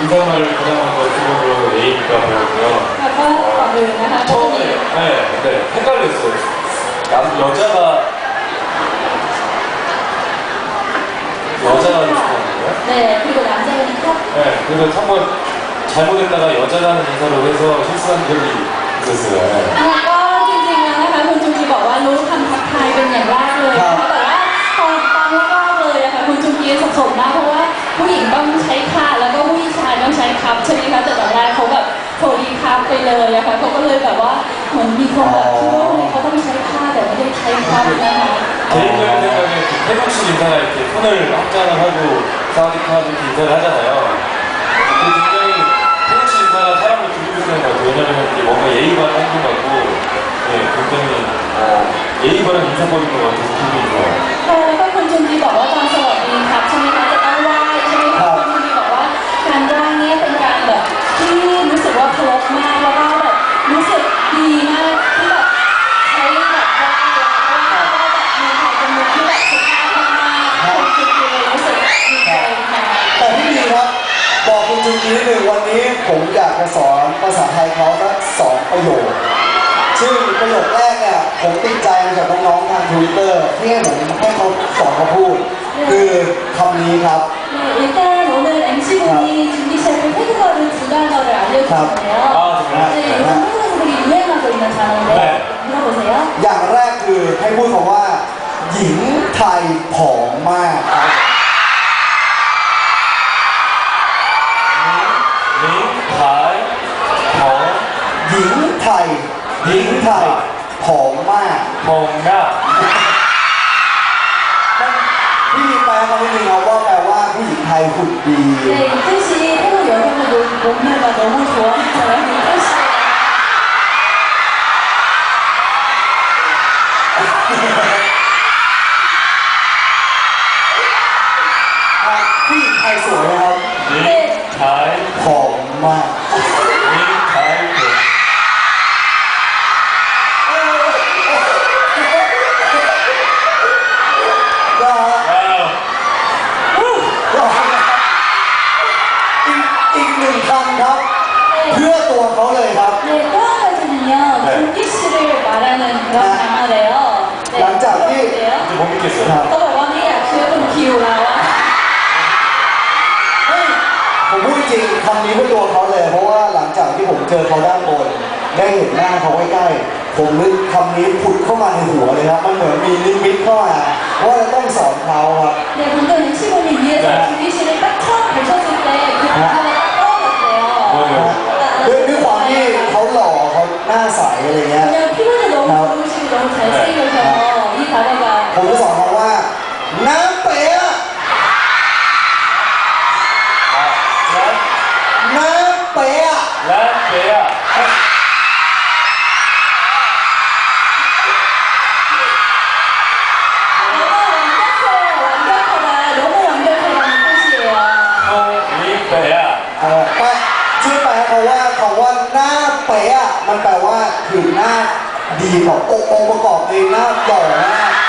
인사말을 가장한 것 기본으로 A가 보였고요. แล้วก็ก่อนอื่นนะคะ 처음에 네, 헷갈렸어요. 여자가 좋다는 거예요? 네, 그리고 남자분이요? 네, 그래서 한번 잘못했다가 여자라는 인사로 해서 실수한 적이 있었어요. 네. แล้วก็จริงๆแล้วนะคะคุณจุงกีบอกว่ารู้คำทักทายเป็นอย่างแรกเลยนะคะบอกว่าผู้หญิงต้องใช้ค่ะแล้วก็ผู้ชายต้องใช้ครับใช่ไหมคะแต่ตอนแรกเขาแบบโทรดีครับไปเลยอะค่ะเขาก็เลยแบบว่าเหมือนมีความแบบ 개인적인 생각에 태국 씨 인사가 이렇게 손을 합장을 하고 사와디카 이렇게 인사를 하잖아요. 굉장히 태국 씨 인사가 사람을 두드리는 것 같아요. 왜냐면 이게 뭔가 예의 바른 행동 같고, 네, 굉장히 예의 바른 인사법인 것 같아서 기분이 좋아요. แต่พี่ดีครับบอกคุณจุงกีนิดหนึ่งวันนี้ผมอยากจะสอนภาษาไทยเขาสัก2 ประโยคซึ่งประโยคแรกเนี่ยผมติดใจมาจากน้องๆทาง Twitter ที่ให้เขาสอนเขาพูดคือคำนี้ครับ 일단 오늘 MC분이 준비 셰프 태국어를 두 단어를 알려주셨네요. 네, 이거 한국에서 되게 유행하고 있는 단어인데 들어보세요. อย่างแรกคือให้พูดคำว่าหญิงไทยผอมมากครับ หญิงไทยผอมมาก พี่แปลมาไม่มีเขาว่าแปลว่าผู้หญิงไทยหุ่นดี 네, 이 뜻이 태국 여성들 몸매가 너무 좋아하는 이 뜻이에요. ผู้หญิงไทยสวยนะครับ ผอมมากอีกหนึ่งคำครับ เพื่อตัวเขาเลยครับ 네, 또 한 가지는요. 준기 씨를 말하는 그런 단어래요. 네, หลังจากที่ 어때요? 이제 못 믿겠어요. เขาบอกว่าไม่อยากเชื่อเป็นคิวแล้วอะผมพูดจริงคำนี้เพื่อตัวเขาเลยเพราะว่าหลังจากที่ผมเจอเขาด้านบนได้เห็นหน้าเขาใกล้ๆผมนึกคำนี้ผุดเข้ามาในหัวเลยครับมันเหมือนมีนิมิตเข้ามาว่าจะต้องสอนเขาครับ 네, 방금 MC분이 위에서 준기 씨를 딱 처음 보셨을 때 그 단어가 딱 떠올랐대요. ด้วยความที่เขาหล่อเขาหน้าใสอะไรเงี้ย 그냥 피부는 너무 좋으시고 너무 잘생겨서 이 단어가 ผมจะสอนเขาว่าน้ำเป๊ะน้ำเป๊ะ 완벽하다, 너무 완벽하다는 뜻이에요. ช่วยแปลเขาว่าคำว่าหน้าเป๊ะมันแปลว่าคือหน้าดีแบบองค์ประกอบเองหน้าหล่อมาก